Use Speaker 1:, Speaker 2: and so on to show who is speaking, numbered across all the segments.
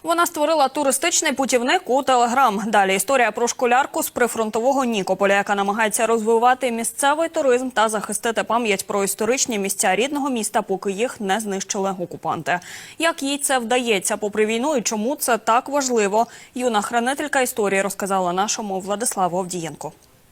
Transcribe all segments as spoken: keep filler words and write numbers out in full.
Speaker 1: Вона створила туристичний путівник у Телеграм. Далі історія про школярку з прифронтового Нікополя, яка намагається розвивати місцевий туризм та захистити пам'ять про історичні місця рідного міста, поки їх не знищили окупанти. Як їй це вдається попри війну і чому це так важливо, юна хранителька історії розказала нашому Владиславу Авдієнку.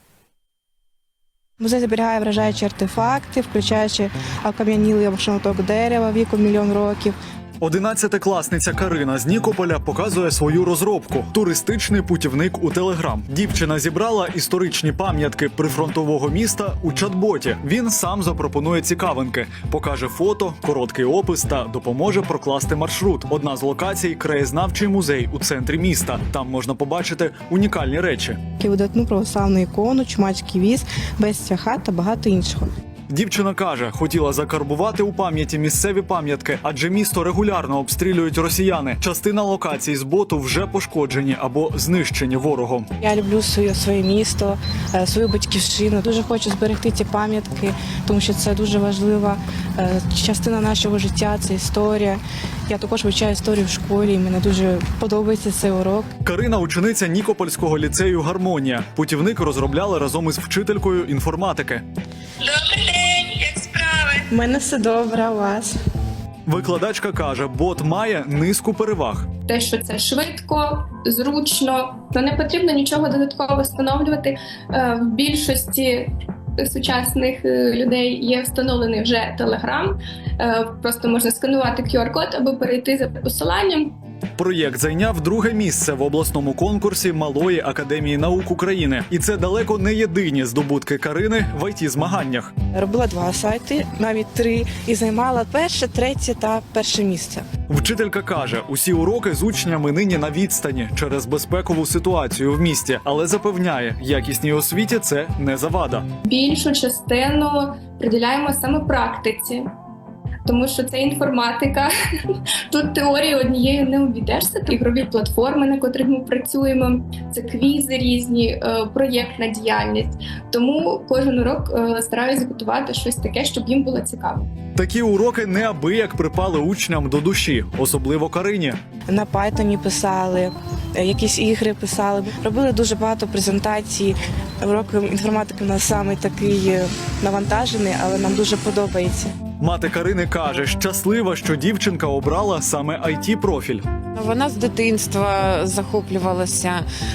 Speaker 2: Музей зберігає вражаючі артефакти, включаючи окам'янілий шматок дерева віком мільйон років.
Speaker 3: Одинадцятикласниця Карина з Нікополя показує свою розробку – туристичний путівник у Телеграм. Дівчина зібрала історичні пам'ятки прифронтового міста у чат-боті. Він сам запропонує цікавинки, покаже фото, короткий опис та допоможе прокласти маршрут. Одна з локацій – краєзнавчий музей у центрі міста. Там можна побачити унікальні речі.
Speaker 2: Видатну православну ікону, чумацький віз, безця хат та багато іншого.
Speaker 3: Дівчина каже, хотіла закарбувати у пам'яті місцеві пам'ятки, адже місто регулярно обстрілюють росіяни. Частина локацій з боту вже пошкоджені або знищені ворогом.
Speaker 2: Я люблю своє, своє місто, свою батьківщину. Дуже хочу зберегти ці пам'ятки, тому що це дуже важлива частина нашого життя, це історія. Я також вивчаю історію в школі, і мені дуже подобається цей урок.
Speaker 3: Карина – учениця Нікопольського ліцею «Гармонія». Путівник розробляли разом із вчителькою інформатики.
Speaker 4: Добрий день, як справи?
Speaker 2: У мене все добре, у вас?
Speaker 3: Викладачка каже, бот має низку переваг.
Speaker 4: Те, що це швидко, зручно, то не потрібно нічого додатково встановлювати. В більшості сучасних людей є встановлений вже Telegram. Просто можна сканувати кю ар-код або перейти за посиланням.
Speaker 3: Проєкт зайняв друге місце в обласному конкурсі Малої академії наук України. І це далеко не єдині здобутки Карини в ай ті-змаганнях.
Speaker 2: Робила два сайти, навіть три, і займала перше, третє та перше місце.
Speaker 3: Вчителька каже, усі уроки з учнями нині на відстані через безпекову ситуацію в місті, але запевняє, якісній освіті це не завада.
Speaker 4: Більшу частину приділяємо саме практиці. Тому що це інформатика, тут теорії однією не обійдешся. Ігрові платформи, на котрих ми працюємо, це квізи різні, проєктна діяльність. Тому кожен урок стараюся готувати щось таке, щоб їм було цікаво.
Speaker 3: Такі уроки неабияк припали учням до душі, особливо Карині.
Speaker 2: На Пайтоні писали, якісь ігри писали. Робили дуже багато презентацій. Урок інформатики у нас саме такий навантажений, але нам дуже подобається.
Speaker 3: Мати Карини каже, щаслива, що дівчинка обрала саме ай ті-профіль.
Speaker 5: Вона з дитинства захоплювалася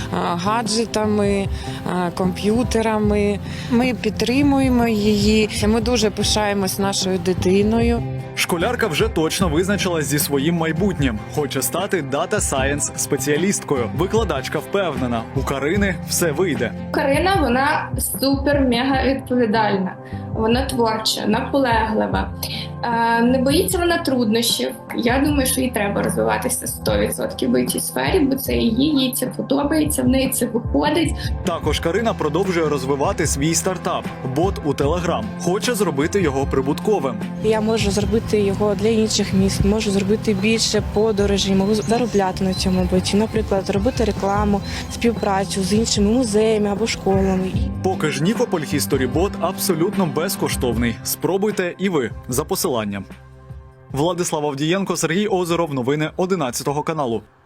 Speaker 5: гаджетами, комп'ютерами. Ми підтримуємо її. Ми дуже пишаємось нашою дитиною.
Speaker 3: Школярка вже точно визначилась зі своїм майбутнім. Хоче стати дата-сайенс спеціалісткою. Викладачка впевнена, у Карини все вийде.
Speaker 4: Карина, вона супер-мега відповідальна. Вона творча, наполеглива. Не боїться вона труднощів. Я думаю, що їй треба розвиватися сто відсотків в ай ті-сфері, бо це її, їй це подобається, в неї це виходить.
Speaker 3: Також Карина продовжує розвивати свій стартап – бот у Телеграм. Хоче зробити його прибутковим.
Speaker 2: Я можу зробити його для інших міст, можу зробити більше подорожей, можу заробляти на цьому боті. Наприклад, робити рекламу, співпрацю з іншими музеями або школами.
Speaker 3: Поки ж Нікополь History Bot абсолютно безкоштовний. Спробуйте і ви за посиланням. Владислав Авдієнко, Сергій Озеров. Новини одинадцятого каналу.